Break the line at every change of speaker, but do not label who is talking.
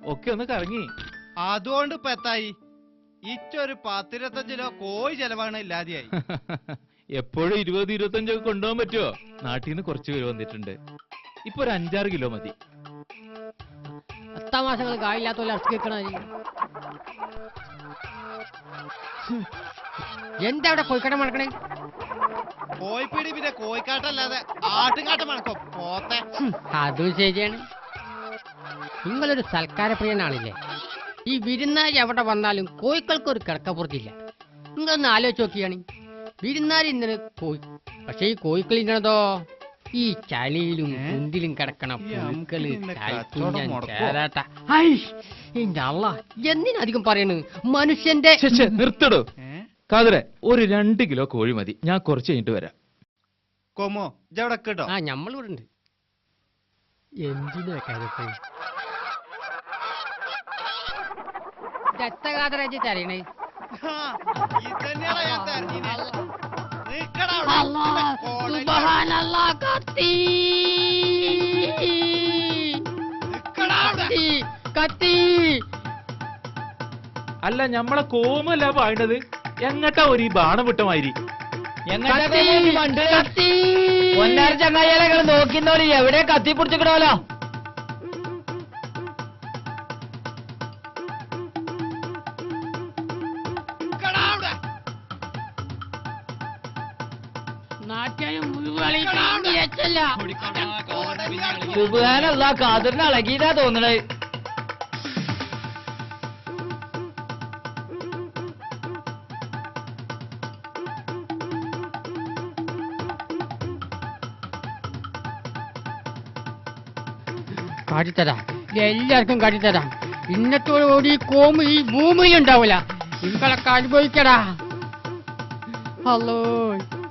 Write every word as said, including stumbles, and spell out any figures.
ഒക്കെ ഒന്ന് കറങ്ങി.
അതുകൊണ്ട് ഇപ്പൊ എത്തായി ഇച്ചൊരു പത്തിരുപത്തഞ്ച് കിലോ കോഴി ചെലവാണ് ഇല്ലാതെയായി.
എപ്പോഴും ഇരുപത് ഇരുപത്തഞ്ചൊക്കെ കൊണ്ടുപോകാൻ പറ്റുമോ? നാട്ടിൽ നിന്ന് കുറച്ച് പേര് വന്നിട്ടുണ്ട്. ഇപ്പൊ ഒരു അഞ്ചാറ് കിലോ മതി.
പത്താം മാസങ്ങൾ കായില്ലാത്ത ഇറച്ചി വെക്കണ എന്താ അവിടെ കോഴിക്കട മണക്കണേ?
കോഴിപ്പീടി പിന്നെ കോഴിക്കാട്ടല്ലാതെ ആട്ടുംകാട്ടം മണക്കോ പോത്തെ.
അതും ശരിയാണ്. നിങ്ങളൊരു സൽക്കാരപ്രിയനാണില്ലേ? ഈ വിരുന്നാരി എവിടെ വന്നാലും കോഴിക്കൾക്ക് ഒരു കിടക്കപ്പുറത്തില്ല. നിങ്ങളൊന്ന് ആലോചിച്ച് നോക്കിയാണ്. വിരുന്നാരി ഇന്നലെ കോഴി, പക്ഷെ ഈ കോഴിക്കൾ ഇന്നതോ ഈ ചളിയിലും കുന്തിലും കിടക്കണ പുഴുക്കള് എന്തിനധികം പറയണ് മനുഷ്യന്റെ.
നിർത്തടോ കാതറെ, ഒരു രണ്ട് കിലോ കോഴി മതി. ഞാൻ കുറച്ച് കഴിഞ്ഞിട്ട് വരാം.
കൊമോ ഇജവിടെ കേട്ടോ.
ആ നമ്മളിവിടെ ഉണ്ട്. എന്തിനാ കാതറ ദത്തകാതറ തരണേ?
അല്ല ഞമ്മളെ കോമല്ല പായണത്. എങ്ങട്ടാ ഒരു ബാണം വിട്ടമാതിരി.
ഒന്നാറ് ചങ്ങായികളെ നോക്കിന്നോളി, എവിടെ കത്തി പിടിച്ചിക്കണോലോ. സുബ്ഹാനല്ലാ, കാതറിന് അളകിയതാ തോന്നണേ. കാട്ടിത്തരാം, എല്ലാവർക്കും കാട്ടിത്തരാം. ഇന്നത്തോടുകൂടി ഈ കോമ് ഈ ഭൂമിയിൽ ഉണ്ടാവില്ല. നിങ്ങളൊക്കെ അനുഭവിക്കടാ. ഹലോ.